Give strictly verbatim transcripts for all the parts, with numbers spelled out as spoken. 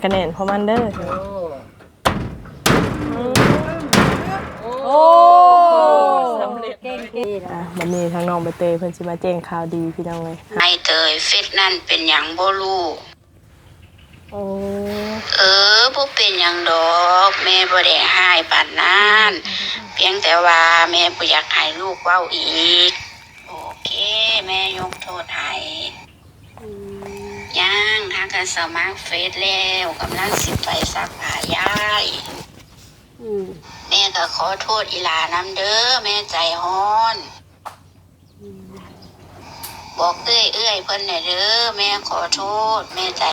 คะแนนพอมันเด้อโอ้สำเร็จอ่ะวันนี้ทางน้องใบเตยเพิ่นสิมาแจ้งข่าวดีพี่น้องเลยไอเตยฟิตนั่นเป็นหยังบ่รู้โอ้เออบ่เป็นหยังดอกแม่บ่ได้หายปานนั้นเพียงแต่ว่าแม่บ่อยากให้ลูกเว้าอีกโอเคแม่ยกโทษให้ยังทางการสมัครเฟซแล้วกำลังสิไปซักผ้ายายแม่ก็ขอโทษอีหลานำเด้อแม่ใจฮ้อนบอกเอ้ยเอ้ยเพิ่นน่ะเด้อแม่ขอโทษแม่ใจ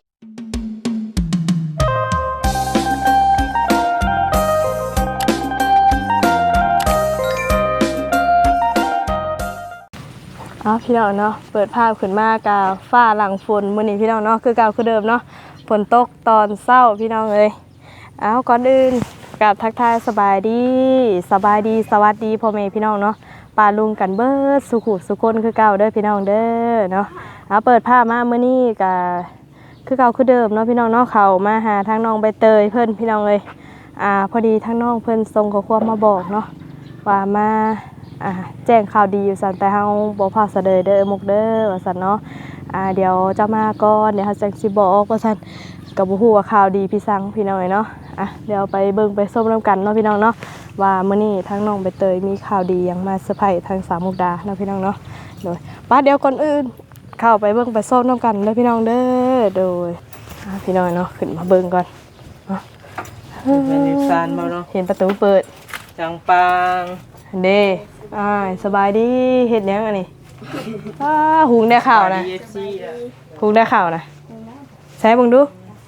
อ๋อพี่น้องเนาะเปิดภาพขึ้นมากาฟ้าหลังฝนมื้อนี้พี่น้องเนาะคือเก่าคือเดิมเนาะฝนตกตอนเช้าพี่น้องเอ้ยเอาก่อนอื่นกับทักทายสบายดีสบายดีสวัสดีพ่อแม่พี่น้องเนาะปาลุงกันเบิดสุขุสุคนคือเก่าเด้อพี่น้องเด้อเนาะเอาเปิดภาพมามื้อนี้ก็คือเก่าคือเดิมเนาะพี่น้องเนาะเข้ามาหาทางน้องใบเตยเพิ่นพี่น้องเอ้ยอ่าพอดีทางน้องเพิ่นส่งข้อความมาบอกเนาะว่ามาอ่าแจ้งข่าวดีอยู่สั่นแต่เฮาบ่พาเสดยเด้อมุกเด้อว่าสั่นเนาะอ่าเดี๋ยวจะมาก่อนเดี๋ยวเฮาจังสิบอกว่าสั่นก็บ่ฮู้ว่าข่าวดีพี่สังพี่น้องเนาะอ่ะเดี๋ยวไปเบิ่งไปส้มน้ำกันเนาะพี่น้องเนาะว่ามื้อนี้ทางน้องใบเตยมีข่าวดีหยังมาเซอร์ไพรส์ทางสามมุกดาเนาะพี่น้องเนาะโดยป้าเดี๋ยวก่อนอื่นเข้าไปเบิ่งไปส้มน้ำกันเด้อพี่น้องเด้อโดยอ่ะพี่น้องเนาะขึ้นมาเบิ่งก่อนเนาะเป็นนิสานบ่เนาะเห็นประตูเปิดจังปังเด้อ่าสบายดีเฮ็ดหยังอันนี้อ้าหุงได้ข้าวนะหุงได้ข้าวนะใช้เบิ่งดู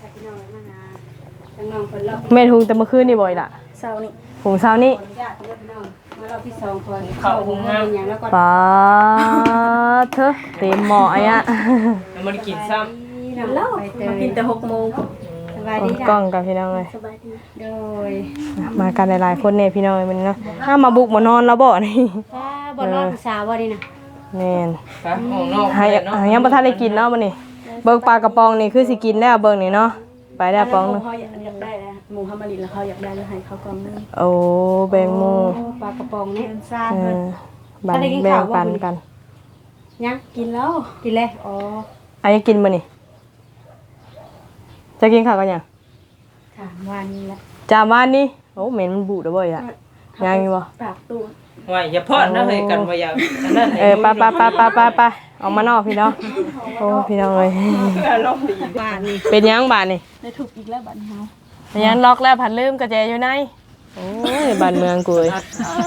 แม่หุงแต่เมื่อคืนนี่บ่อยล่ะเช้านี่หุงเช้านี่มาเราที่สองคนเข้าหุงงานอย่างแล้วก็ป้าเธอเต็มหม้อไอ้อะแล้วมันกินซ้ำแล้วมากินแต่หกโมงสบายดีจ้ะกล้องกับพี่น้องเลยสบายดีโดยมากันหลายๆคนเนี่ยพี่น้องมันเนาะห้ามมาบุกมานอนแล้วบ่นี่บ่นอนสาวบ่นี่นะแม่นครับห้องนอกให้ยังบ่ทันได้กินเนาะมื้อนี้เบิ่งปลากระป๋องนี่คือสิกินแล้วเบิ่งนี่เนาะไปได้ป๋องนึงเขาอยากได้แล้วหมูฮัมมารินแล้วเขาอยากได้แล้วให้เขากล่องนึงโอ้แบ่งหมู่ปลากระป๋องนี่ซ่าเพิ่นบันแบ่งปันกันยังกินแล้วกินแล้วอ๋ออันนี้กินมื้อนี่จะกินข้าวกันยังค่ะวันนี้แหละจามวันนี้โอ้เหม็นมันบูดแล้วบ่อ่ะยังอยู่บ่ปากตู้ว่าอย่าพอดนะเฮ้ยกันว่าอย่าอันนั้นเออไปๆๆๆๆออกมานอกพี่น้องโอ้พี่น้องเอ้ยล็อกดีบ้านนี่เป็นยังบ้านนี่ได้ถูกอีกแล้วบ้านเฮาเป็นยังล็อกแล้วผัดลืมกระแจอยู่ในโอ้ยบ้านเมืองกูเอ้ย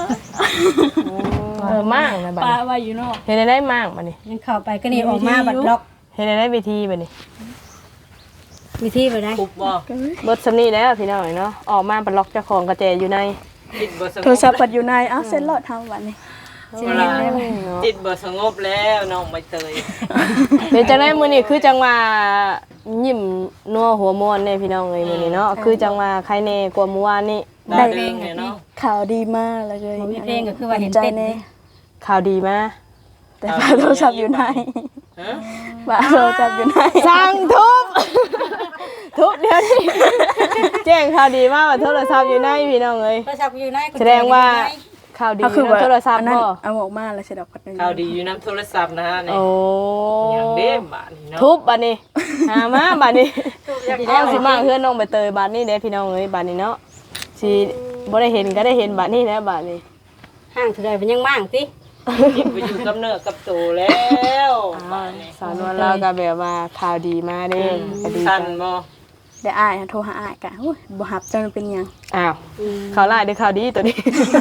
เออมากนะบ้านป้าว่าอยู่นอกเฮ็ดได้มากบัดนี้ยังเข้าไปก็นี่ออกมาบัดล็อกเฮ็ดได้วิธีบัดนี้วิธีบ่ได้ปุ๊บบ่เบิดซำนี้แล้วพี่น้องเนาะออกมาบัดล็อกเจ้าของกระแจอยู่ในโทรศัพท์ปัดอยู่ในอ้าวเซ็นรอดเฮาวันนี้จิตบ่สงบแล้วน้องใบเตยเป็นจังได๋มื้อนี้คือจังว่ายิ้มนัวหัวม่วนเด้พี่น้องเอ้ยมื้อนี้เนาะคือจังว่าใครแน่กว่าเมื่อวานนี้ได้เพลงเนาะข่าวดีมากเลยมีเพลงก็คือว่าเห็นเต้นข่าวดีมาแต่โทรศัพท์อยู่ในฮะว่าโทรศัพท์อยู่ในสั่งทุบทุบเดี๋ยวนี้แจ้งข่าวดีมาว่าโทรศัพท์อยู่ในพี่น้องเอ้ยโทรศัพท์อยู่ในแสดงว่าข่าวดีคือโทรศัพท์บ่เอาออกมาแล้วใช่ดอกพัดนึงข่าวดีอยู่นำโทรศัพท์นะฮะนี่โอ้อย่างเด้บาดนี้เนาะทุบบัดนี้หามาบัดนี้เอาสิมาเฮือนน้องใบเตยบัดนี้เด้พี่น้องเอ้ยบัดนี้เนาะสิบ่ได้เห็นก็ได้เห็นบัดนี้แล้วบัดนี้ห้างเท่าใดมันยังมั่งติไปอยู่กับเนื้อกับตัวแล้วบัดนี้สาวนวลเราก็แบบว่าข่าวดีมาเด้ก็ดีสั่นบ่ได้อ้ายโทรหาอ้ายกะโอ้ยบ่รับจังเป็นหยังอ้าวข่าวร้ายหรือข่าวดีตัวนี้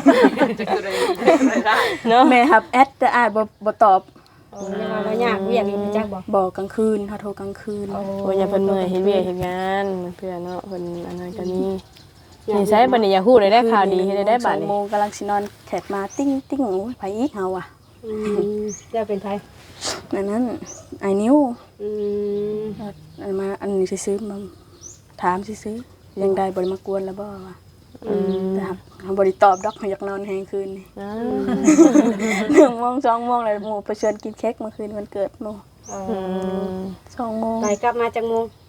เนาะแม่รับแอดแต่อ้ายบ่บ่ตอบยังว่าเรายากเวียกนี่จักบ่บ่กลางคืนเฮาโทรกลางคืนโอ้ยอย่าเพิ่นเมื่อยเฮ็ดเวียกเฮ็ดงานเพื่อนเนาะเพิ่นอันนั้นก็มีนี่ใช้บัดนี้อย่าฮู้ได้ได้ข่าวดีเฮ็ดได้บัดนี้สองโมงกำลังสินอนแขกมาติ้งติ้งโอ้ยไผอีกเฮาอ่ะอืมจะเป็นไผนั่นนั้นไอ้นิ้วอืมอันมาอันนี้ซื้อมาถามซื้อยังได้บ่ได้มากวนแล้วบ่ว่าอืมแต่เฮาบ่ได้ตอบดอกอยากนอนแฮงคืนนี่หนึ่งโมงสองโมงแล้วหมู่ไปชวนกินเค้กเมื่อคืนวันเกิดหมู่อืมสองโมงไปกลับมาจักโมง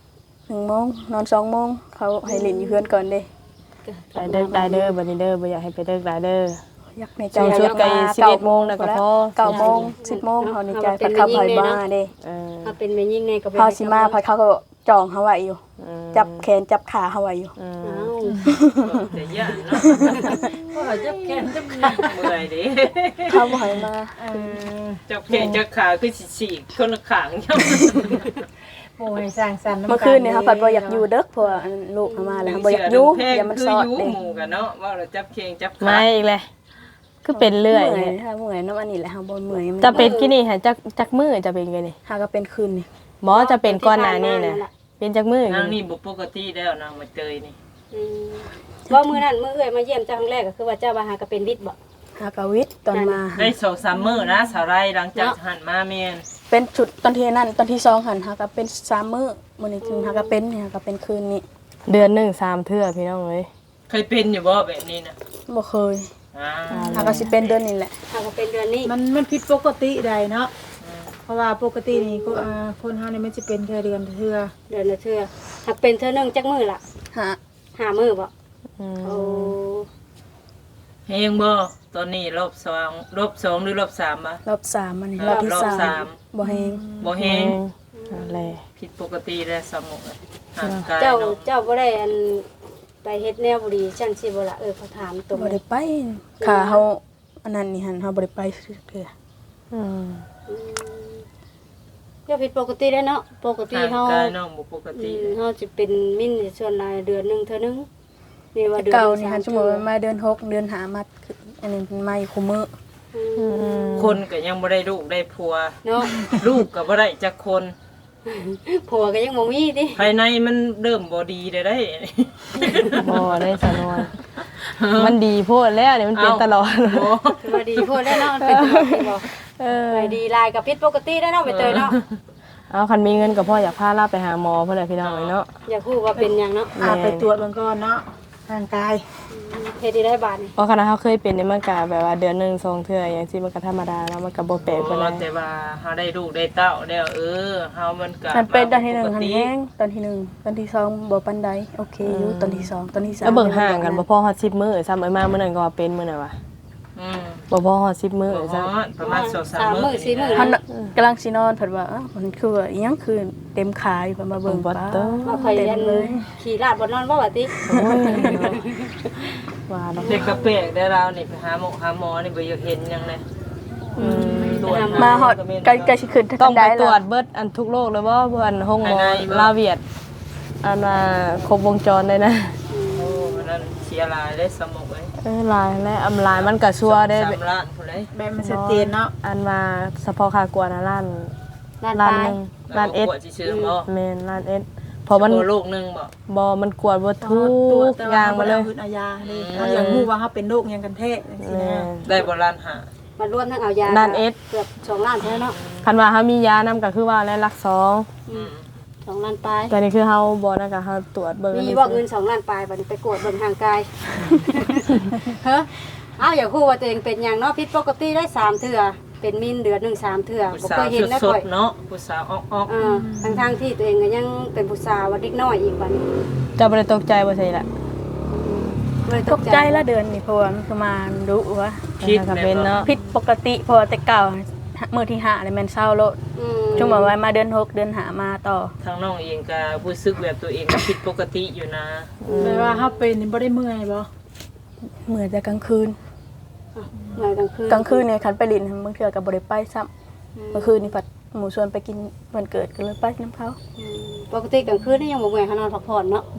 หนึ่งโมงนอนสองโมงเขาให้เล่นอยู่เพื่อนก่อนเด้ไปเด้อได้เด้อบัดนี้เด้อบ่อยากให้ไปเด้อได้เด้ออยากในใจเจ้าชุดไก่อยาสิบเอ็ดโมงน่ะก็พอเก้าโมงสิบโมงเขาในใจพัดเข้าไปบ้าเด้เออถ้าเป็นแม่ยิ่งไงก็เป็นเขาสิมาพัดเขาก็จองเขาไว้อยู่อืมจับแขนจับขาเขาไว้อยู่อืมเอ้าแต่ย่านเนาะว่าจับแขนจับขาเมื่อยเด้เขาบ่ให้มาจับแขนจับขาคือสิฉีกคนละข้างย่ำโอ้ยสร้างสรรค์ำเมื่อคืนเนี่ยเขาพัดบ่อยากอยู่เด้อเพราะว่าอันลูกเขามาแล้วเขาบ่อยากอยู่อย่ามันคือซอดอยู่เด้หมู่กันเนาะว่าเราจับแขนจับขามาอีกเลยคือเป็นเรื่อยเมื่อยเนี่ยถ้าเมื่อยน้ำอันนี้แหละเขาบ่เมื่อยจะเป็นกี่นี่หาจักจักมือจะเป็นไงนี่หาก็เป็นคืนนี่หมอจะเป็นก้อนหนานี่นะเป็นจักมือนางนี่บ่ปกติแล้วนางมาเจยนี่อืมว่ามื้อนั้นมื้อเอ้ยมาเยี่ยมเจ้าครั้งแรกก็คือว่าเจ้าว่าหาก็เป็นวิทย์บ่หากะวิทย์ตอนมาได้สองสามมื้อนะสาวไรหลังจากหันมาแม่นเป็นจุดตอนที่นั่นตอนที่สองหันหากะเป็นสามมื้อมื้อนี้ถึงหากะเป็นเนี่ยหากะเป็นคืนนี้เดือนหนึ่งสามเทื่อพี่น้องเอ้ยเคยเป็นอยู่บ่แบบนี้นะบ่เคยอ่าหากะสิเป็นเดือนนี้แหละหาก็เป็นเดือนนี้มันมันผิดปกติใดเนาะเพราะว่าปกตินี่ก็อ่าคนเฮานี่มันสิเป็นแค่เดือนเทื่อเดือนละเทื่อหากเป็นเทื่อหนึงจักมื้อล่ะหาหามื้อบ่อืมโอ้เฮงบ่ตอนนี้รอบสองรอบสองหรือรอบสามบ่รอบสามอันนี้เออรอบที่รอบสาสาม มบ่แฮงบ่เฮงอะไรผิดปกติแล้วสมองห่างกายเจ้าเนาะเจ้าบ่ได้อันไปเฮ็ดแนวบุรีจังซี่บ่ล่ะเออเขาถามตรงบ่เลได้ยไปขาเฮาอันนั้นนี่หันเฮาบ่ได้ไปเทื่ออืมอืมเจ้าผิดปกติแล้วเนาะปกติห่างเฮากายน้องบ่ปกอืติมเฮาสิเป็นมิ้นในส่วนรายเดือนหนึงเท่านึงนี่ว่าแต่เดือนเก่าหนี่งหันสสมมุติว่ามาเดือนหกเดือนห้ามาคืออันนี้เป็นมาอยู่คุมื้ออืมคนก็ยังบ่ได้ลูกได้ผัวเนาะลูกก็บ่ได้จักคนผัวก็ยังบ่มีติภายในมันเริ่มบ่ดีได้ได้บ่ได้สนวนมันดีโพดแล้วเนี่ยมันเป็นตลอดโอ้คือว่าดีโพดแล้วเนาะมันเป็นตลอดที่บ่เออไปดีลายกับผิดปกติแล้วเนาะไปเตยเนาะเอาคันมีเงินกับพ่ออยากพาลาไปหาหมอเพื่อนเลยพี่น้องเลยเนาะอย่าพูดว่าเป็นหยังเนาะอาไปตรวจเบิ่งก่อนเนาะร่างกายเฮ็ดได้บาดนี่เพราะคณะเขาเคยเป็นในมันกาแบบว่าเดือนหนึ่งสองเทื่ออย่างที่มันก็ธรรมดาแล้วมันก็บ่แปลกไปเลยแต่ว่าเฮาได้ลูกได้เต้าแล้วเออเฮามันก็มันเป็นตอนที่หนึ่งปกหันติแห้งตอนที่หนึ่งตอนที่สองบ่ปานใดโอเคอยู่ตอนที่สองตอนที่สามแล้วเบิ่งห่างกันบ่พอฮอดสิบมื้อซ้ำไอ้มามื้อนั้นก็ว่าเป็นมื้อนั้นว่ะอืมบ่พอฮอดสิบมื้อบ่ฮซ้ำอดประมาณสองสามสามมื้มื้อสี่มื้อเฮาน่ะกำลังสินอนเพิ่นว่าอ้าวมันคือว่าอิหยังคือเต็มขาอยู่เพิ่นมาเบิ่งบ่ป้าเต้อมาคอยเต็มยันเลยขี่ลาดบ่นอนบ่ว่าติโอ้ยว่าเนาะเด็กกระเปกได้เรานี่ไปหาหมอหาหมอนี่บ่อยากเห็นหยังเลยอืมตรวจมาฮอดใกล้ใกล้สิขึ้นต้องไปได้ตรวจแล้เบิดอันทุกโรคเลยบ่เพื่อนห้องหมอภายในบ่ลาเวียดอันว่าครบวงจรเลยนะโอ้มันนั้นเสียหลายได้สมองไว้เออลายและอำลายมันก็ชัวได้สามล้านพุ่นเลยแบบมันชัดเจนเนาะอันมาเฉพาะค่ากวนะล้านลาดล้านปลาหยนึงล้านเอ็ดกวดสิซื้อบ่แม่นล้านเอ็ดเพราะมันโอ้ลูกหนึงบ่บ่มันกวดบ่ทุกตรวจแต่อว่าย่างเฮามาบ่เลได้ยเอาอาญาเลยเขาอยากรู้ว่าเฮาเป็นโรคหยังกันแท้จังซี่แม่นะนได้บ่ล้านห้ามารวมทั้งเอายาล้านเอ็ดเกือบสองล้านเท่านั้นเนาะคันว่าเฮามียานำก็คือว่าแล้วหลักสองอืมสองล้านปลายแต่นี่คือเฮาบ่นั่นก็เฮาตรวจเบิ่งมีบ่เงินสองล้านปลายบัดนี้ไปกวดเบิ่งทางกายเฮ้ออ้าวอย่าพูดว่าตัวเองเป็นหยังเนาะผิดปกติได้สามเทื่อเป็นมินเดือนหนึงสามเทื่อผู้บ่สาเคยว เห็นแล้วสค่ดอยๆเนาะผู้สาวออกเออทั้งๆที่ตัวเองก็ยังเป็นผู้สาวว่าเด็กน้อยอีกบัดนี้เจะบ่ได้ตกใจบ่ใช่ล่ะเลยตกใจละเดือนนี่เพราะว่ามันคือมาดุว่าๆคิดก็แม่เป็นนเนาะเนาะผิดปกติเพราะว่าแต่เก่ามื้อที่ห้าเลยแม่นเศร้าโลดอืมช่วงแบบว่ามาเดือนหกเดือนห้ามาต่อทางน้องเองก็รู้สึกแบบตัวเองก็ผิดปกติอยู่นะแปลว่าเฮาเป็นนี่บ่ได้เมื่อยบ่เหมือนจะกลางคืนเมื่อยกลางคืนกลางคืนเนี่ยคันไปลินบางเทื่อกับบริไปซ้ำเมื่อคืนนี่ผัดหมูชวนไปกินวันเกิดก็เลยไปน้ำเขาอืมปกติกลางคืนนี่ยังบ่เมื่อยเขานอนพักผ่อนเนาะ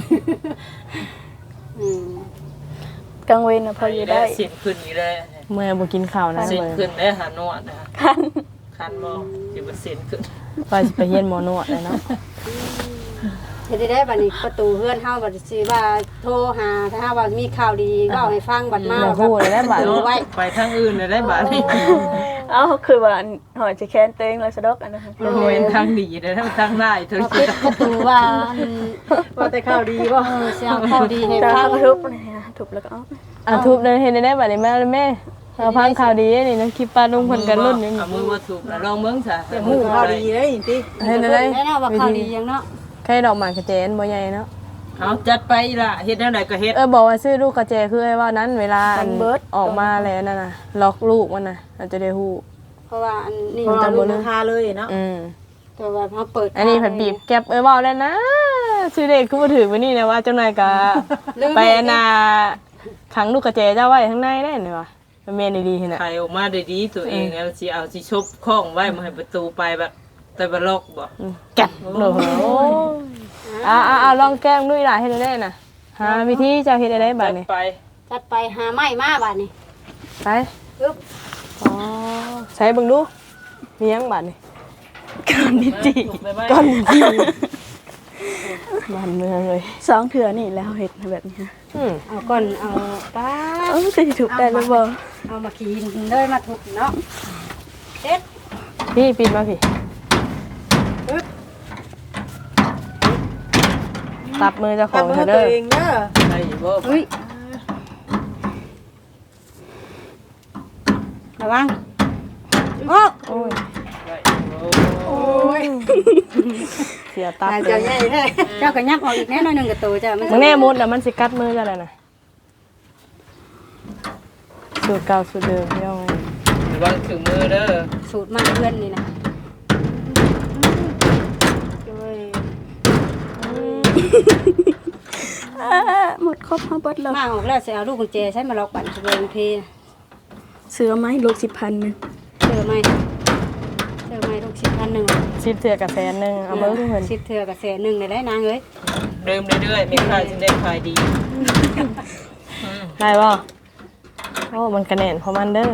อืมกลางเวรนะพออยู่ได้เส้นขึ้นอยู่แล้วเมื่อบ่กินข้าวนะเส้นเบิ่งขึ้นได้หานวดนะคันบ่สิบ่เส้นขึ้นว่าสิไปเฮียนหมอนวดเลยเนาะเฮ็ดได้บัดนี้ประตูเฮือนเฮาบัดสิว่าโทรหาถ้าหาว่ามีข่าวดีเว้าให้ฟังบัดมาอย่าพูดเลยนะบาดรู้ไว้ไปทางอื่นได้บาดนี้เอ้าคือว่าหอยจะแค้นตัวเองเลยสะดอกอันนั้นมันบ่เป็นทางดีได้ทางได้เธอเอาปิดประตูว่าอันว่าแต่ข่าวดีบ่เออสิเอาข่าวดีให้ตาฟังเขาทุบนะฮะทุบแล้วก็เอาอ่ะทุบเลยเห็นได้บัดนี้แม่แม่เอาพังข่าวดีนี่นะคลิปปลาลุงเพิ่นกันรุ่นอยู่นี่เอามือมาถูกแล้วลองเบิ่งซะแต่หูข่าวดีเลยนี่ติเห็นได้แน่นอนว่าข่าวดีหยังเนาะใครดอกหมากกระเจนบ่ใหญ่เนาะเอาจัดไปล่ะเฮ็ดแนวใดก็เฮ็ดเออบอกว่าซื้อลูกกระเจคือไอ้ว่านั้นเวลาอันออกมาแล้วนั่นน่ะล็อกลูกมันน่ะอาจจะได้ฮู้เพราะว่าอันนี้เพราะว่าลูกราคาเลยเนาะอืมแต่ว่าเขาเปิดอันนี้ผัดบีบแก็บเอ้ยเว้าแล้วนะชื่อเด็กคือบ่ถือมื้อนี้นะว่าเจ้านายก็ไปอันน่ะขังลูกกระเจเจ้าไว้ข้างในได้นี่ว่ะมันแม่นดีๆหั่นน่ะขายออกมาได้ดีตัวเองแล้วสิเอาสิชบข้องไว้มาให้ประตูไปแบบแต่บ่ล็อกบ่อืมแก็บโอ้โหอ่าๆๆลองแกล้งด้วยล่ะเฮ็ดได้น่ะหาวิธีเจ้าเฮ็ดได้บัดนี้ไปจัดไปหาไม้มาบาดนี้ไปอึ๊บอ๋อใช้เบิ่งดูมีหยังบัดนี้ก่อนนิจิไปไว้ก้อนจีบ้านเมืองเลยสองเถื่อนี่แล้วเฮ็ดแบบนี้ฮะอืมเอาก่อนเอาป้าเอ้าจะถูกได้หรือบ่เอามาขีนเลยมาทุบเนาะเด็ดพี่ปิดมาพี่อึ๊บตับมือเจ้าขตัอบ งมือเธอตัเด้วอเองเด้อได้อยู่บ่อุ้ยระวังโอ้โอ้ยได้อยู่บ่โอ้ยเสียตับตายเลเจ้าย ใหญ่แท้เจ้าก็ยับออกอีกแน่นอนหนึ่งกับตัวจ้ะมึงแน่มุดแล้วมันสิกัดมือเจ้าเลยนะสูตรเก่าสูตรเดิมพี่น้องระวังถึงมือเด้อสูตรมันเพื่อนนี่นะอ่าหมดครบเฮาเบิดแล้วมาออกแล้วจะเอาลูกกุญแจใช้มาล็อกบัตรเบงเพเสือไหมลูกสิบพันหนึงเจอไหมเจอไหมลูกสิบพันหนึ่งชิดเถื่อกับแสนหนึงเอาเบิ้งเพิ่นสิบเถื่อกับแสนหนึ่งเลยได้นางเอ้ยเดิมเรื่อยๆมีขายจึงได้ขายดีได้บ่โอ้มันกระแน่นเพราะมันเด้อ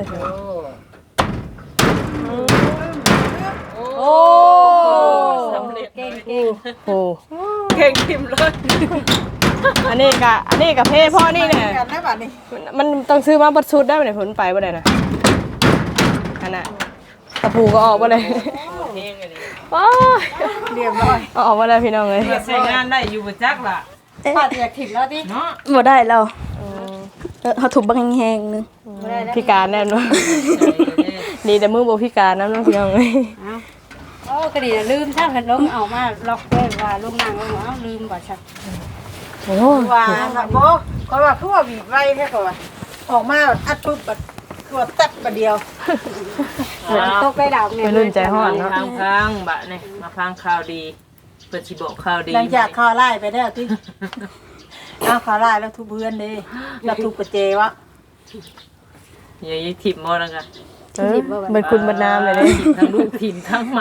โอ้โอ้สำเร็จเก่งเก่งโอ้เก่งทิมเลยอันนี้กะอันนี้กับเพ่พ่อนี่เนี่ยกันได้บัดนี้มันต้องซื้อมาบัดชุดได้บ่เนี่ยผลไปบ่ได้นะอันน่ะตะปูก็ออกบ่ได้เองอันนี้ว้าเรียบร้อยเอาออกมาแล้วพี่น้องเลยเพื่อใช้งานได้อยู่บ่จักล่ะป้าจะอยากถิ่มแล้วดิเนาะบ่ได้แล้วเออเฮาถูกบังแฮงๆนึงไม่ได้แล้วพิการแน่นอนดีแต่มือบ่พิการน้ำน้องพี่น้องเลยเอาโอ้ก็ดีนะลืมถ้าเห็นลงเอามาล็อกไว้ว่าลูกนางลงเอาลืมบ่ชักโอ้ว่าบ่เพราะว่าคือว่าบีบไว้แค่ก่อนออกมาอัดปุ๊บแบบตัวแตบประเดียวตกได้ดาวเนี่ยไปรุ่นใจฮ้อนเนาะทางพังบะนี่มาพังข่าวดีเปิดสิบอกข่าวดีหลังจากข่าวไล่ไปแล้วที่อ้าวข่าวไล่แล้วทุบเพื่อนเด้แล้วทุบกระเจวะอย่ายึดถิ่มมอแล้วกันเออเป็นคุณบรรนามเลยเด้ทั้งลูกถิ่มทั้งมา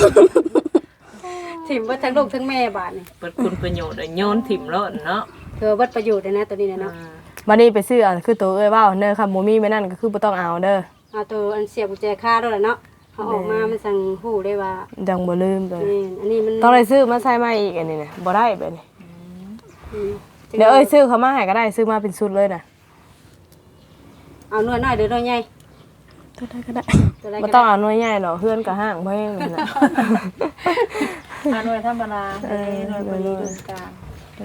ถิ่มว่าทั้งลูกทั้งแม่บาทนี่เปิดคุณประโยชน์โยนถิ่มแล้วเนาะเธอวัดประโยชน์เลยนะตัวนี้เนาะวันนี้ไปซื้ออ่ะคือตัวเอ้ยว่าวเด้อค่ะหมูมี่ไม่นั่นก็คือบ่ต้องเอาเด้อเอาตัวอันเสียบกุญแจค่าด้วยแหละเนาะเขาออกมามันสั่งหู้ได้ว่าดังบ่ลืมเลยนี่อันนี้มันต้องได้ซื้อมาใส่มาอีกอันนี้นะบ่ได้แบบนี้อืมเดี๋ยวเอ้ยซื้อเขามาให้ก็ได้ซื้อมาเป็นชุดเลยนะเอาหน่วยน้อยหรือหน่วยใหญ่ตัวได้ก็ได้ตัวอะไรบ่ก็ต้องได้เอาหน่วยใหญ่หรอกเพื่อนก็ห้างบ่แห้งนั่นน่ะมาหน่วยธรรมดาเออหน่วยพอดีตรงกลาง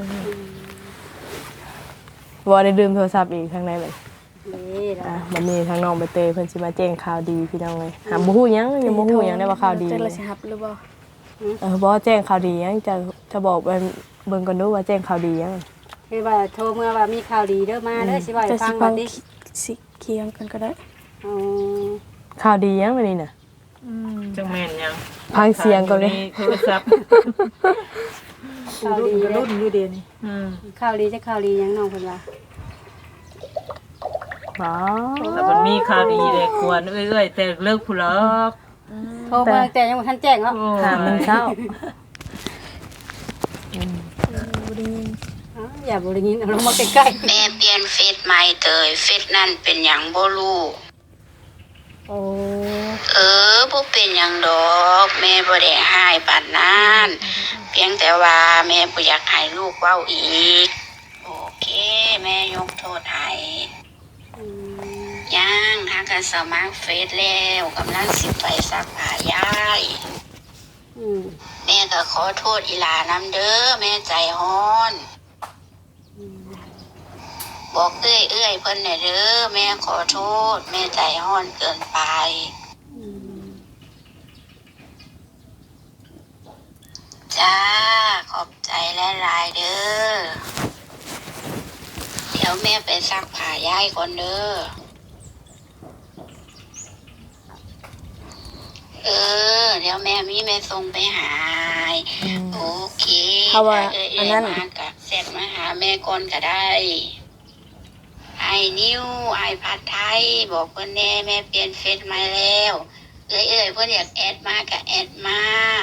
บ่ได้ดื่มโทรศัพท์อีกทางไหนบัดนี่แหละอ่ะวันนี้ทางน้องใบเตยเพิ่นสิมาแจ้งข่าวดีพี่น้องเลยหาบ่ฮู้หยังยังบ่ฮู้หยังได้ว่าข่าวดีเจอแล้วสิรับหรือบ่เออบ่แจ้งข่าวดีหยังจะจะบอกไปเบิ่งก่อนดูว่าแจ้งข่าวดีหยังคือว่าโทรเมื่อว่ามีข่าวดีเด้อมาเด้อสิว่าให้จะฟัสิงฟัว่าง ดิสิเคียงกันก็ได้อ๋อข่าวดีหยังวันนี้น่ะจังแม่นยังฟังเสียงก่อนเลยโทรศัพท์ข่าวรุ่นดีก็เด้อรุ่นอยู่เดียวนี้อืมข่าวดีจะข่าวดีหยังน้องเพิ่นว่าอ๋อแต่มันมีข่าวดีเลยควรเอ้ยๆแต่เลิกผู้ลอกโทรเมื่อแต่ยังบ่ทันแจ้งเนาะหามันเช้าอ๋ออย่าบ่ได้ยินเอาลงมาใกล้แม่เปลี่ยนเฟซใหม่เตยเฟซนั่นเป็นหยังบ่รู้โอ้เออบ่เป็นหยังดอกแม่บ่ได้หายปานนั้นเพียงแต่ว่าแม่บ่อยากให้ลูกเว้าอีกโอเคแม่ยกโทษให้ยังหากันสมัครเฟซแล้วกำลังสิไปซักผ้ายายๆอืมแม่ก็ขอโทษอีหลานำเด้อแม่ใจฮ้อน บอกเอ้ยเอ้ยเพิ่นน่ะเด้อแม่ขอโทษ แม่ใจฮ้อนเกินไป ใจจ้าขอบใจหลายๆเด้อเดี๋ยวแม่ไปซักผ้ายายก่อนเด้อเออเดี๋ยวแม่มีแม่ส่งไปหาโอเคเขาว่าเอ้ยอันนั้นมากะเสร็จมาหาแม่ก่อนก็ได้ไอ้นิ้วไอ้ผัดไทยบอกเพื่อนแน่แม่เปลี่ยนเฟซมาแล้วเอ้ยเอ้ยเพื่อนอยากแอดมาก็แอดมา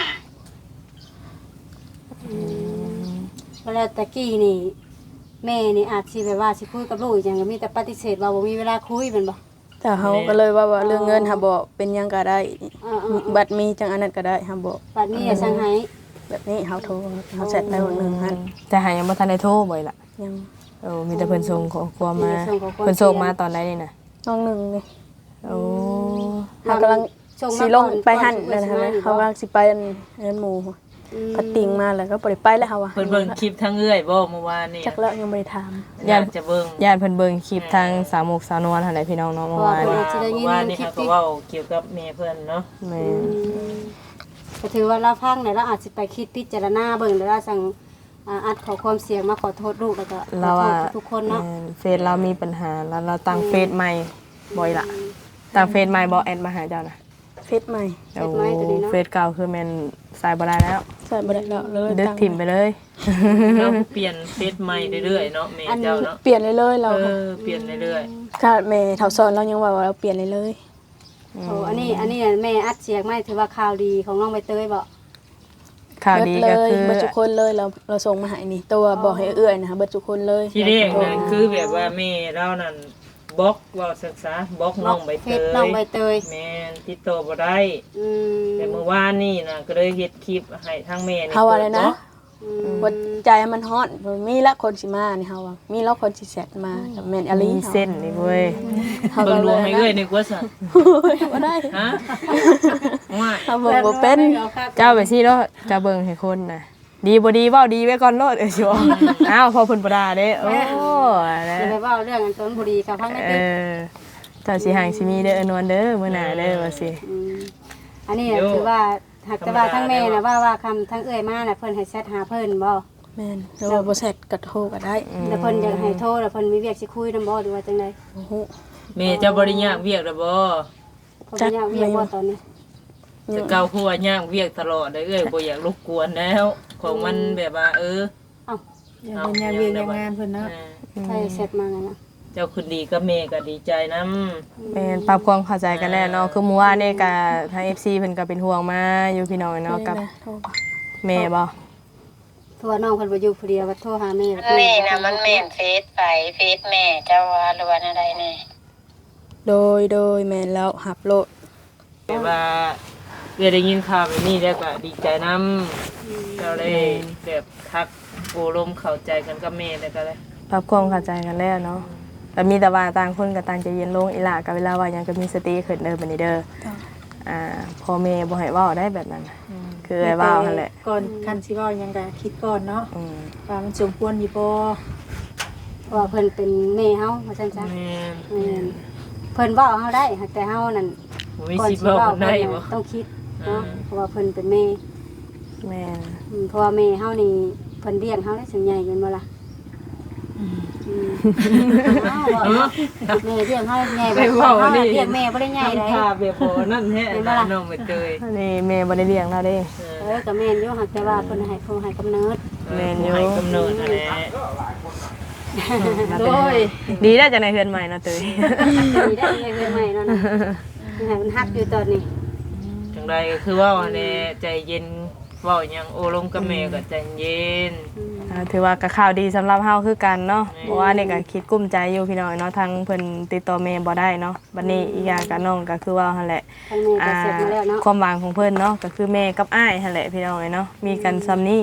เวลาตะกี้นี่แม่นี่อาจสิแบบว่าสิคุยกับลูกอหย่างก็มีแต่ปฏิเสธว่าบ่มีเวลาคุยแม่นบ่แต่เขาก็เลยว่าว่าเรื่องเงินหาบอกเป็นหยังก็ได้อ่าๆบัตรมีจังอันนั้นก็ได้หาบอกบัดนี้อย่าสั่งให้แบบนี้เขาโทรเขาเสร็จไปวันหนึ่งฮันแต่หายังบ่ทันได้โทรบ่อยล่ะยังเออมีแต่เพิ่นส่งขอความมามีแต่ส่งขอความเพิ่นส่งมาตอนใดนี่น่ะน้องหนึ่งนี่โอ้เขากำลังส่งมาสีลงก่อนไปหันก่อนเลยนะสิคะมาอยู่บ่เขากำลังสิไปอันเงินหมูอืมพัดติงมาแล้วก็บ่ได้ไปแล้วเขาว่าเพิ่นเบิ่งคลิปทั้งเอื้อยบ่เมื่อวานนี่จักแล้วยังบ่ได้ถามอยากจะเบิ่งญาติเพิ่นเบิ่งคลิปทางสาวมุกสาวนวลหั่นแหละพี่น้องเนาะเมื่อวานเพราะนี้ว่า จะได้ยินเมื่อวานนี่คลิปเขาที่ก็เว้าเกี่ยวกับแม่เพิ่นเนาะแม่ก็ถือว่าเราพังเนี่ยเราอาจสิไปคิดพิจารณาเบิ่งแล้วเราสั่งอ่าอัดขอความเสียงมาขอโทษลูกแล้วก็ขอเราโทว่าษทุกคนเนาะแม่เฟซเรามีปัญหาแล้วเราตั้งเฟซใหม่บ่อยล่ะตั้งเฟซใหม่บ่แอดมาหาเจ้าน่ะเฟซใหม่โอ้เฟซเก่าคือแม่นใส่บ่ได้แล้วใส่บ่ได้แล้วเลยดึกตั้งถิ่มไปเลยเราเปลี่ยนเฟซใหม่เรื่อยๆเนาะแม่เจ้าเนาะเปลี่ยนเลยเลยๆเราเออเปลี่ยนเรื่อยค่ะแม่เฒ่าซอนเรายังว่าว่าเราเปลี่ยนเลยเลยโอ้อันนี้อันนี้แม่อัดเสียงไม่ถือว่าข่าวดีของน้องใบเตยบ่ข่าวดีเบิก็เลยคือเบิดทุกคนเลยเราเราส่งมาให้นี่ตัวบอกให้เอื้อยนะคะเบิดทุกคนเลยๆที่แรกนั่นคือแบบว่าแม่เรานั่นบล็อกเว่าศึกษาบล็อกน้องใบเฟเตซยน้องใบเตยแม่นติดต่อบ่ได้อืมแต่เมื่อวานนี่นะก็เลยเฮ็ดคลิปให้ทางแม่นี่เฮาอะไรนะอืมหัวใจมันฮอตมีละคนสิมานี่เฮาว่ามีละคนสิแซดมากับแม่นอลีมีเส้นนี่เว้ยเฮาเบิ่ก็งเลลวงยให้เอ้ยนึกว่าซะบ่ได้ฮะว่าเฮาเบิ่งบ่เป็นเจ้าไปสิเนาะจะเบิ่งให้คนน่ะดีบ่ดีเว้าดีไว้ก่อนโลดเอ้ยสิว่าอ้าวพอเพิ่นบ่ด่าเด้โอ้นะจะไปเว่าเรื่องอันต้นบุรีกับพังในเอติ๊กอเจ้าสิห่างสิมีเด้ออนวลเด้อมื้อหน้าเด้อว่าสิมอันนี้น่ะถือว่าหากแต่ว่าทั้งแม่น่ะว่าว่าคำทั้งเอ้ยมาน่ะเพิ่นให้แชทหาเพิ่นบ่แม่นแล้วว่าบ่แซดก็โทรก็ได้แล้วเพิ่นอยากให้โทรแล้วเพิ่นมีเวียกสิคุยนำบ่หรือว่าจังได๋โอ้โหแม่เจ้าบ่ได้ยากเวียกแล้วบ่เพิ่นบ่อยากเวียกบ่ตอนนี้แต่เก่าคือว่ายากเวียกตลอดเลยเอ้ยบ่อยากรบกวนแล้ว ของมันแบบว่า เอออย่างเป็นงานเวียนอย่างงานเพิ่นเนาะเออใช่แชทมางั้นน่ะเจ้าคืนดีกับแม่ก็ดีใจนำแม่นปรับความเข้าใจกันแล้วเนาะคือเมื่อวานนี่ก็ทาง เอฟ ซี เพิ่นก็เป็นห่วงมาอยู่พี่น้องเนาะกับแม่โทรบ่แม่บ่เพราะว่าน้องเพิ่นบ่อยู่ผู้เดียวว่าโทรหาแม่แม่น่ะมันแม่นเฟซไปเฟซแม่เจ้าว่าหรือว่าอะไรแน่โดยโดยแม่นแล้วหับโลดแบบว่าเอ้ยได้ยินข่าวแบบนี้แล้วก็ดีใจนำเจ้าได้แบบทักโอลมเข้าใจกันกับแม่แล้วก็เลยปรับความเข้าใจกันแล้วเนาะแต่มีแต่ว่าต่างคนก็ต่างใจเย็นลงอีหล่าก็เวลาว่าหยังก็มีสติขึ้นเด้อบัดนี้เด้ออ่าพ่อแม่บ่ให้เว้าได้แบบนั้นน่ะคือให้เว้าหั่นแหละก่อนคันสิเว้าหยังก็คิดก่อนเนาะอืมว่ามันสมควรอยู่บ่เพราะว่าเพิ่นเป็นแม่เฮาว่าซั่นซะแม่นแม่นเพิ่นเว้าเฮาได้หากแต่เฮานั่นบ่มีก่อนสิสิเว้าเว้าคนเพิ่ได้นบ่น่ะต้องคิดเนาะอืมเพราะว่าเพิ่นเป็นแม่แม่นอืมเพราะว่าแม่เฮานี่เพิ่นเลี้ยงเฮาได้ถึงใหญ่แม่นบ่ล่ะอืมอ้าวบ่เนาะแม่เลี้ยงเฮาใหญ่บ่เฮาเลี้ยงแม่บ่ได้ใหญ่เลยทำท่าแบบบ่นั่นแท้น้องใบเตยอันนี้แม่บ่ได้เลี้ยงเราเด้เอเอออก็แม่นอยู่หากแต่ว่าเพิ่นให้เพิ่นให้กำเนิดแม่นอยู่ให้กำเนิดนั่นแหละโดยดีได้จากในเฮือนใหม่เนาะเตยดีได้เลยเพิ่นใหม่เนาะนะให้มันฮักอยู่ตอนนี้จังใดก็คือว่าแน่ใจเย็นเว้าหยังโอลมกับแม่ก็ใจเย็นอ่าถือว่าก็ข่าวดีสำหรับเฮาคือกันเนาะเพราะว่านี่ก็คิดกุ้มใจอยู่พี่น้อยเนาะทางเพิ่นติดต่อแม่บ่ได้เนาะบัดนี้อีกอย่างก็น้องก็คือว่าหั่นแหละทางแม่ก็อ่าเสร็จมาแล้วเนาะความหวังของเพิ่นเนาะก็คือแม่กับอ้ายหั่นแหละพี่น้องเนาะมีกันซ้ำนี้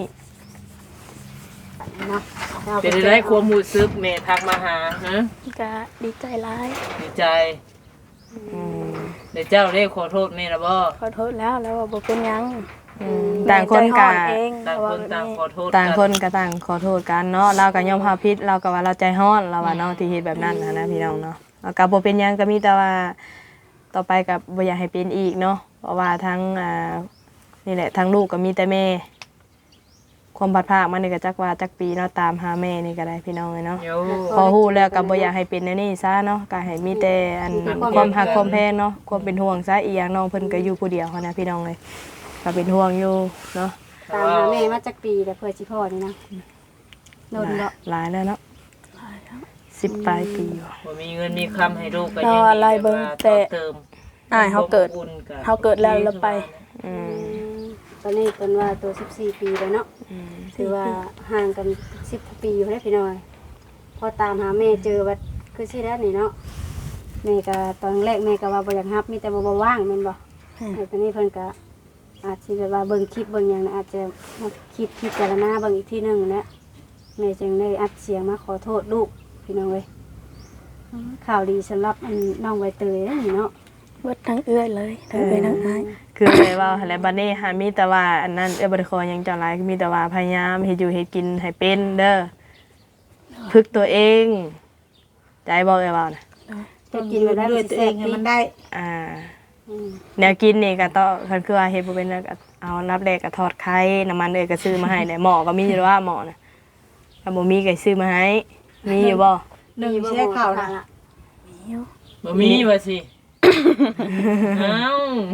เนาะเป็นได้ความรู้สึกแม่ทักมาหาฮะก็ดีใจหลายดีใจอืมเดี๋ยวเจ้าได้ขอโทษแม่ละบ่ขอโทษแล้วแล้วว่าบ่เป็นหยังอืมต่างคนก็แม่ใจฮ้อนเองต่างว่คนต่างขอโทษต่างคนก็ต่างขอโทษกันเนาะเราก็ยอมรับผิดเราก็ว่าเราใจร้อนเราว่าเนาะที่เฮ็ดแบบนั้นนะนะพี่น้องเนาะแล้วก็บ่เป็นหยังก็มีแต่ว่าต่อไปก็บ่อยากให้เป็นอีกเนาะเพราะว่าทั้งอ่านี่แหละทั้งลูกก็มีแต่แม่ความพัดภาคมันนี่ก็จักว่าจักปีเนาะตามหาแม่นี่ก็ได้พี่น้องเอ้ยเนาะโยพอฮู้แล้วก็บ่อยากให้เป็นแนวนี้ซะเนาะก็ให้มีแต่อันความฮักความแพงเนาะความเป็นห่วงซะอีหยังน้องเพิ่นก็อยู่ผู้เดียวหั้นนะพี่น้องเอ้ยก็เป็นห่วงอยู่เนาะตามหาแม่มาจักปีแล้วเพื่อสิพ่อนี่นะโดนบ่หลายแล้วเนาะสิบปลายปีอยู่บ่มีเงินมีคำให้ลูกก็เรายังอะไรเบิ่งแต่เติมอ้ายเฮาเกิดบุญบเฮาเกิดแล้วแล้วไปอืมตอนนี้เพิ่นว่าตัวสิบสี่ปีแล้วเนาะอืมถือว่าห่างกันสิบปีอยู่ได้พี่น้อยพอตามหาแม่เจอว่าคือสิได้นี่เนาะแม่ก็ตอนแรกแม่ก็ว่าบ่อยากรับมีแต่บ่บ่ว่างแม่นบ่แต่ตอนนี้เพิ่นก็อาจสิแบบว่าเบิ่งคลิปเบิ่งหยังน่ะอาจจะมาคิดพิจารณาเบิ่งอีกทีหนึงนะแม่จึงได้อัดเสียงมาขอโทษลูกพี่น้องเอ้ยข่าวดีสำหรับอันน้องใบเตยนะนี่เนาะเบิดทั้งเอื้อยเลยทั้งเอื้อยทั้งอ้ายคือเลยว่าหั่นแหละบัดนี้หามีแต่ว่าอันนั้นเอ้ยบ่ได้ขอหยังเจ้าหลายมีแต่ว่าพยายามเฮ็ดอยู่เฮ็ดกินให้เป็นเด้อฝึกตัวเองใจบ่เอ้ยว่านะจะกินแบบได้ด้บ่วยสิตัวแซ่เอบ งให้ติมันได้อ่าอืมแนวกินนี่ก็ต้องคันคือว่าเฮ็ดบ่เป็นแล้วก็เอานับแรกก็ทอดไข่น้ำมันเอ้ยก็ซื้อมาให้ได้หม้อก็มีอยู่แล้วว่าหม้อน่ะถ้าบ่มีก็ซื้อมาให้มีอยู่บ่หนึ่งใช้ข้าวนะบ่มีว่าสิเอ้า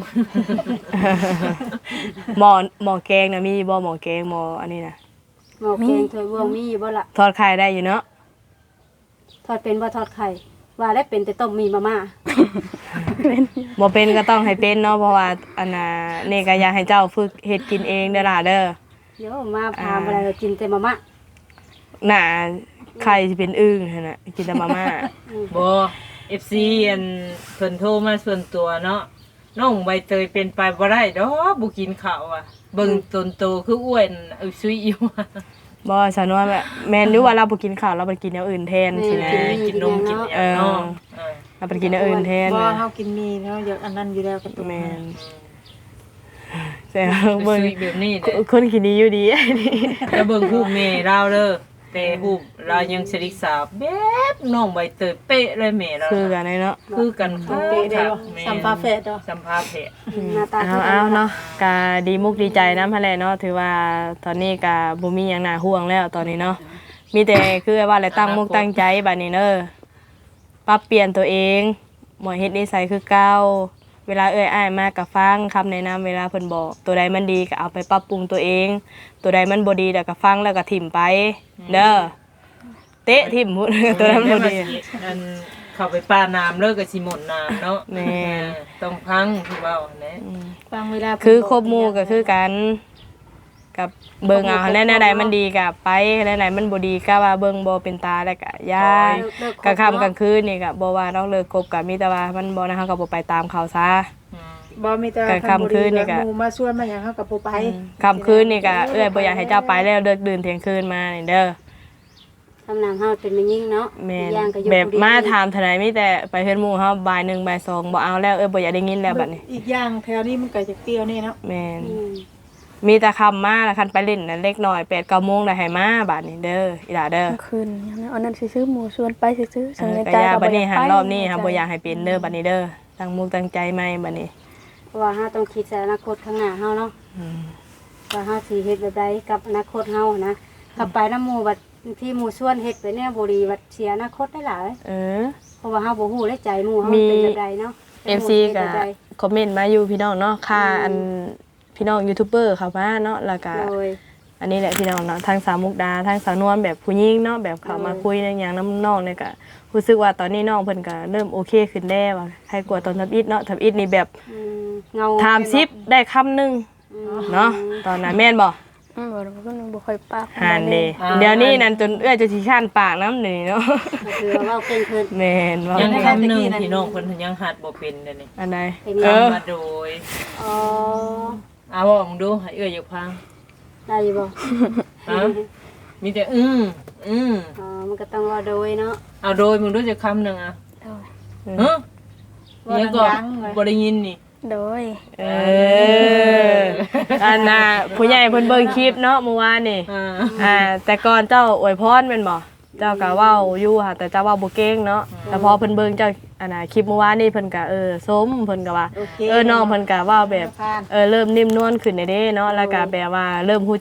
หม้อหม้อแกงน่ะมีบ่หม้อแกงหม้ออันนี้น่ะหมอแกงถ้วยบวงมีอยู่บ่ล่ะทอดไข่ได้อยู่เนาะทอดเป็นบ่ทอดไข่ว่าได้เป็นแต่ต้มมีมาม่าบ่เป็นก็ต้องให้เป็นเนาะเพราะว่าอันน่ะนี่ก็อยากให้เจ้าฝึกเฮ็ดกินเองเด้อล่ะเด้อเดี๋ยวมาพาอะไรก็กินแต่มาม่าน่ะไข่สิเป็นอึ่งหั่นน่ะกินแต่มาม่าบ่ เอฟ ซี อันเพิ่นโทรมาส่วนตัวเนาะน้องใบเตยเป็นไปบ่ได้ดอกบ่กินข้าวอ่ะเบิ่งตนโตคืออ้วนอึซุยอยู่อะบ่สนวนแบบแม่นหรือว่าเราบ่กินข้าวเราไปกินอย่างอื่นแทนสินะกินนมกินหยังเนาะเออเราไปกินอย่างอื่นแทนบ่นะเฮากินมีเนาะอยากอันนั้นอยู่แล้วก็ตัวแม่นแต่เบิ่เบิ่งงแบบนี้เด้คนกินดีอยู่ดี อันนี้แล้วเบิ่งรูปแม่เราเด้อแต่รูปเรายังสริกสาวแบบน้องใบเตยเป๊ะเลยแม่เราคือกันเลยเนาะคือกันค่ะเปะได้บ่แม่สัมภาษณ์แฟดเนาะสัมภาษณ์แพะหน้าตาเอาเอาเนาะกะดีมุกดีใจนำหั่นแหละเนาะถือว่าตอนนี้กะบ่มีหยังน่าห่วงแล้วตอนนี้เนาะมีแต่คือว่าอะไรตั้งมุกตั้งใจบัดนี้เด้อปรับเปลี่ยนตัวเองบ่เฮ็ดนิสัยคือเก่าเวลาเอ้ยอ้ายมาก็ฟังคำแนะนำเวลาเพิ่นบอกตัวใดมันดีก็เอาไปปรับปรุงตัวเอง ตัวใดมันบ่ดีแล้วก็ฟังแล้วก็ถิ่มไปเด้อเตะถิ่มพุ่น ตัวนั้นบ่ดีอันเข้าไปป้าน้ำเลิกกับสิหมดน้ำเนาะแม่เออต้องพังที่เว้าแหละบางเวลาคือครบหมู่ก็คือกันกับเบิ่งเอาแน่ๆใดมันดีก็ไปแน่ๆมันบ่ดีก็ว่าเบิ่งบ่เป็นตาแล้วก็อย่ากลางค่ำกลางคืนนี่ก็บ่ว่าต้องเลิกคบก็มีแต่ว่ามันบ่นะเฮาก็บ่ไปตามเขาซะอืมบ่มีแต่แต่ค่ำคืนนี่ก็หมู่มาชวนมาหยังเฮาก็บ่ไปค่ำคืนนี่ก็เอ้ยบ่อยากให้เจ้าไปแล้วเลิกดื่นเที่ยงคืนมานี่เด้อทำนำเฮาเป็นแม่ยิ่งเนาะแม่นอีกอย่างก็อยู่แบบผู้เดียวมาถามเท่าไหร่มีแต่ไปเฮือนหมู่เฮาบ่ายหนึ่งบ่ายสองบ่เอาแล้วเอ้ยบ่อยากได้ยินแล้วบัดนี้อีกอย่างแถวนี้มันก็จะเปรี้ยวนี่เนาะแม่นอืมมีแต่คำมาแล้วคันไปเล่นน่ะเล็กน้อยแปดเก้าโมงได้ให้มาบัดนี้เด้ออีหล่าเด้อกลางคืนอย่างนั้นอันนั้นซื้อหมูชวนไปซื้อเอสังอในก็ใจอย่าก็บัดนี้หันไปรอบนี้ค่ะบ่อยากให้เป็นเด้อบัดนี้เด้อตั้งมุกตั้งใจใหม่บัดนี้เพราะว่าเฮาต้องคิดใส่อนาคตข้างหน้าเฮาเนาะอืมว่าเฮาสิเฮ็ดแบบใดกับอนาคตเฮานะขับไปน้ำหมู่บัดที่หมู่ชวนเฮ็ดไปเนี่ยบ่ดีบัดเสียอนาคตได้หลายเออเพราะว่าเฮาบ่ฮู้ได้ใจหมู่เฮามีเป็นแบบใดเนาะเอฟ ซี ก็คอมเมนต์มาอยู่พี่น้องเนาะค่าอันพี่น้องยูทูบเบอร์เข้ามาเนาะแล้วก็โดยอันนี้แหละพี่น้องเนาะทางสาวมุกดาทางสาวนวลแบบผู้หญิงเนาะแบบเขามาคุยในอย่างน้ำน้องเนี่ยก็รู้สึกว่าตอนนี้น้องเพิ่นก็เริ่มโอเคขึ้นแล้วว่าใครกลัวตอนทับอิดเนาะทับอิดนี่แบบอืมเงาถามซิปได้คำหนึงอืมเนาะตอนนั้นแม่นบ่อืมบ่บ่บ่ค่อยปากหานเด้เดี๋ยวนี้นั่นจนเอื้อจะสิข้านปากน้ำนี่เนาะก็คือว่าเว้าเก่งขึ้นแม่นว่ายังคำหนึงพี่น้องเพิ่นยังหัดบ่เป็นเด้อนี่อันใดเป็นเอยังอมาโดยอ๋อเอาบอกมึงดูให้เอ้ยอยากฟังได้อยู่บ่ฮะมีแต่อืมอืมอ๋อมันก็ต้องว่าโดยเนาะเอาโดยมึงดูจะคำหนึงอ่ะฮะยังก็บ่ได้ยินนี่โดยเอออันน่ะผู้ใหญ่เพิ่นเบิ่งคลิปเนาะเมื่อวานนี่อ่าอ่าแต่ก่อนเจ้าอวยพรแม่นบ่เจ้าก็เว้าอยู่ค่ะแต่เจ้าเว้าบ่เก่งเนาะแต่พอเพิ่นเบิ่งเจ้าอันน่ะคลิปเมื่อวานนี่เพิ่นก็เออสมเพิ่นก็ว่าโอเคเออน้องเพิ่นก็เว้าแบบเออเริ่มนิ่มนวลขึ้นได้เด้เนาะแล้วก็แบบว่าเริ่มฮู้จัก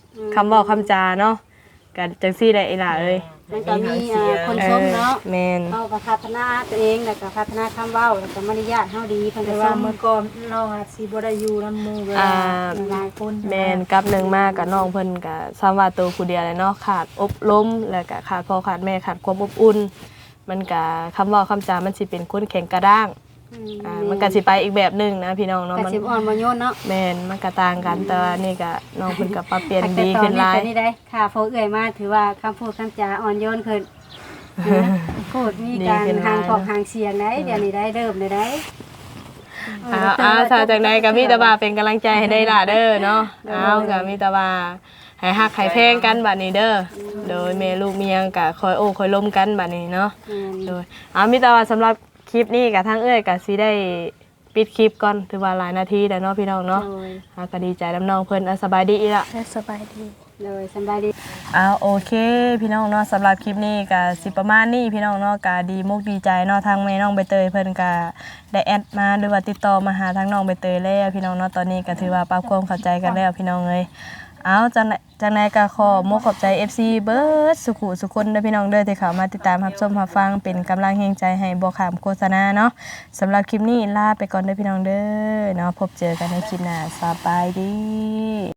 คำบอกคำจาเนาะก็จังซี่ได้อีหล่ะเอ้ยมันก็มีอ่าคนชมเนาะแม่นเฮาก็พัฒนาตัวเองแล้วก็พัฒนาคำเว้าแล้วก็มารยาทเฮาดีเพิ่นแต่ก็ชว่าม เมื่อก่อนเราอาจสิบ่ได้อยู่นำหมู่เวลาอ่าหลายคนแม่นกับหนึ่งมากกับน้องเพิ่นก็ซ้ำว่าตัวผู้เดียวเลยเนาะขาดอบรมแล้วก็ขาดพ่อขาดแม่ขาดความอบอุ่นมันก็คำเว่าคำจามันสิเป็นคนแข็งกระด้างอือ่ามันก็สิไปอีกแบบหนึงนะพี่น้องเนาะก็มันสิอ่อนบ่โยนเนาะแม่นมันก็ต่างกันแต่ว่านี่ก็น้องเพิ่นก็ปรับเปลี่ยนแต่ดีตอขึ้นนนี้หลายเป็นนี่ได้ค่ะพอเอื้อยมาถือว่าคำพูดคำจาอ่อนโยนขึ้นนะพูดมีการทางของทางเสียงได้เดี๋ยวนี้ได้เริ่มเลยได้อ้าวอ้าวถ้าจากใดก็มีแต่ว่าเป็นกำลังใจให้ได้ล่ะเด้อเนาะอ้าวก็มีแต่ว่าให้ฮักให้แพงกันบัดนี้เด้อโดยแม่ลูกเมียงก็คอยโอ้คอยล้มกันบัดนี้เนาะแม่นโดยอ้าวมีแต่ว่าสำหรับคลิปนี้กับทั้งเอ้ยก็สิได้ปิดคลิปก่อนถือว่าหลายนาทีแล้วเนาะพี่น้องเนาะโดยอ่าก็ดีใจน้ำน้องเพิ่นอ่ะสบายดีอีกละสบายดีโดยสำบายดีอ้าวโอเคพี่น้องเนาะสำหรับคลิปนี้ก็สิประมาณนี้พี่น้องเนาะก็ดีมุกดีใจเนาะทางแม่น้องใบเตยเพิ่นก็ได้แอดมาหรือว่าติดต่อมาหาทางน้องใบเตยแล้วพี่น้องเนาะตอนนี้ก็ถือว่าปรับความเข้าใจกันแล้วพี่น้องเอ้ยเอาจังไหนจังไหนก็ขอมกขอบใจ เอฟ ซี เบิร์ดสุขุสุคนเด้อพี่น้องเด้อที่เข้ามาติดตามรับชมรับฟังเป็นกำลังแห่งใจให้บ่ขามโฆษณาเนาะสำหรับคลิปนี้ลาไปก่อนเด้อพี่น้องเด้อเนาะพบเจอกันในคลิปหน้าสบายดี